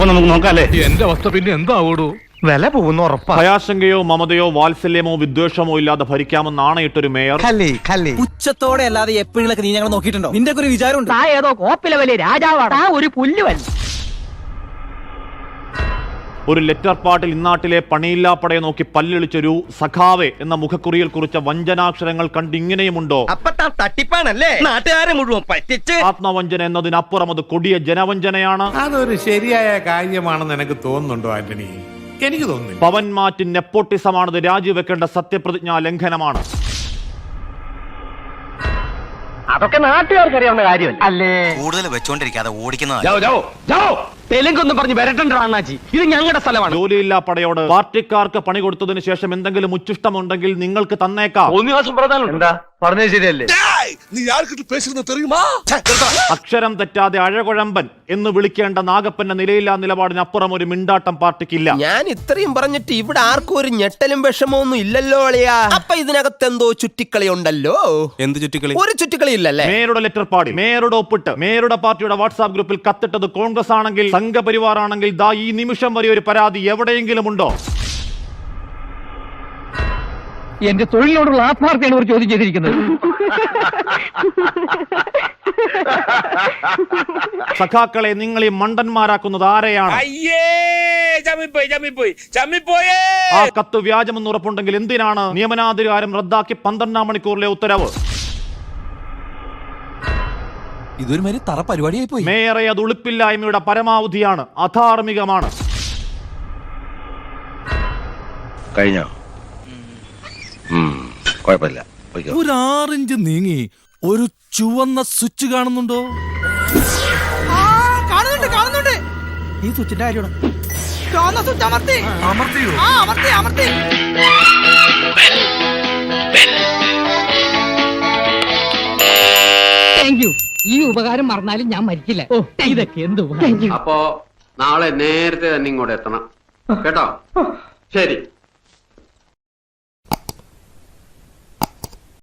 അപ്പൊ നമുക്ക് നോക്കാല്ലേ. എന്റെ അവസ്ഥ പിന്നെ എന്താവൂടൂ? വില പോകുന്ന ഉറപ്പാ. ഭയാശങ്കയോ മമതയോ വാത്സല്യമോ വിദ്വേഷമോ ഇല്ലാതെ ഭരിക്കാമെന്ന് ആണയിട്ടൊരു മേയർ. ഉച്ചത്തോടെ അല്ലാതെ എപ്പോഴൊക്കെ നീ ഞങ്ങൾ നോക്കിയിട്ടുണ്ടോ? നിന്റെ ഒരു വിചാരം ഏതോ കോപ്പിലെ വലിയ രാജാവാണ്, ഒരു പുല്ലുവൻ. ഒരു ലെറ്റർ പാട്ടിൽ ഇന്നാട്ടിലെ പണിയില്ലാപ്പടയെ നോക്കി പല്ലിളിച്ചൊരു സഖാവെ എന്ന മുഖക്കുറിയിൽ കുറിച്ച വഞ്ചനാക്ഷരങ്ങൾ കണ്ട് ഇങ്ങനെയുമുണ്ടോ? തട്ടിപ്പാണല്ലേ, നാട്ടുകാരെ മുഴുവൻ പറ്റിച്ച്. ആത്മവഞ്ചന എന്നതിനപ്പുറം അത് കൊടിയ ജനവഞ്ചനയാണ്. അതൊരു ശരിയായ കാര്യമാണെന്ന് എനിക്ക് തോന്നുന്നുണ്ടോ ആന്റണി? എനിക്ക് തോന്നുന്നു. പവൻ മാറ്റി നെപ്പോട്ടിസമാണത്, രാജിവെക്കേണ്ട സത്യപ്രതിജ്ഞാ ലംഘനമാണ്. അതൊക്കെ നാട്ടുകാർക്ക് അറിയാവുന്ന കാര്യമല്ല അല്ലേ. കൂടുതൽ വെച്ചോണ്ടിരിക്കാതെ ഓടിക്കുന്ന തെലുങ്കൊന്നും പറഞ്ഞ് വരട്ടണ്ടോ അണ്ണാച്ചി, ഇത് ഞങ്ങളുടെ സ്ഥലമാണ്. ജോലിയില്ലാ പടയോട് പാർട്ടിക്കാർക്ക് പണി കൊടുത്തതിന് ശേഷം എന്തെങ്കിലും ഉച്ചിഷ്ടമുണ്ടെങ്കിൽ നിങ്ങൾക്ക് തന്നേക്കാം. എന്താ പറഞ്ഞത് ശരിയല്ലേ? അക്ഷരം തെറ്റാതെ അഴകുഴമ്പൻ എന്ന് വിളിക്കേണ്ട നാഗപ്പന്റെ നിലയില്ലാ നിലപാടിനപ്പുറം ഒരു മിണ്ടാട്ടം പാർട്ടിക്കില്ല. ഞാൻ ഇത്രയും പറഞ്ഞിട്ട് ഇവിടെ ആർക്കും ഒരു ഞെട്ടലും വിഷമമൊന്നും ഇല്ലല്ലോ അളിയാ. അപ്പൊ ഇതിനകത്ത് എന്തോ ചുറ്റിക്കളി ഉണ്ടല്ലോ. എന്ത് ചുറ്റിക്കളി? ഒരു ചുറ്റിക്കളി ഇല്ലല്ലേ? മേയറുടെ ലെറ്റർ പാടി, മേയറുടെ ഒപ്പിട്ട്, മേയറുടെ പാർട്ടിയുടെ വാട്സാപ്പ് ഗ്രൂപ്പിൽ കത്തിട്ടത് കോൺഗ്രസ് ആണെങ്കിൽ, സംഘപരിവാർ ആണെങ്കിൽ, ദാ ഈ നിമിഷം വരെ ഒരു പരാതി എവിടെയെങ്കിലും ഉണ്ടോ? എന്റെ തൊഴിലിനോടുള്ള ആത്മാർത്ഥയാണ് ഒരു ചോദ്യം ചെയ്തിരിക്കുന്നത്. സഖാക്കളെ നിങ്ങൾ ഈ മണ്ടന്മാരാക്കുന്നത് ആരെയാണ്? ആ കത്ത് വ്യാജമെന്ന് ഉറപ്പുണ്ടെങ്കിൽ എന്തിനാണ് നിയമനാധികാരം റദ്ദാക്കി 12 മണിക്കൂറിലെ ഉത്തരവ്? ഇതൊരു മാതിരി തറ പരിപാടിയായി പോയി. മേയറെ അത് ഉളുപ്പില്ലായ്മയുടെ പരമാവധിയാണ്, അധാർമികമാണ്. കഴിഞ്ഞോ? കുഴപ്പമില്ല. ഒരു 6 ഇഞ്ച് നീങ്ങി ഒരു ചുവന്ന സ്വിച്ച് കാണുന്നുണ്ടോ? കാണുന്നുണ്ട്. ഈ സ്വിച്ചിന്റെ കാര്യമാണ്. സ്വിച്ച് അമർത്തി. Thank you. ഈ ഉപകാരം മറന്നാലും ഞാൻ മരിക്കില്ല. ഇതൊക്കെ എന്ത് ഉപകാരം. അപ്പോ നാളെ നേരത്തെ തന്നെ ഇങ്ങോട്ട് എത്തണം കേട്ടോ. ശരി.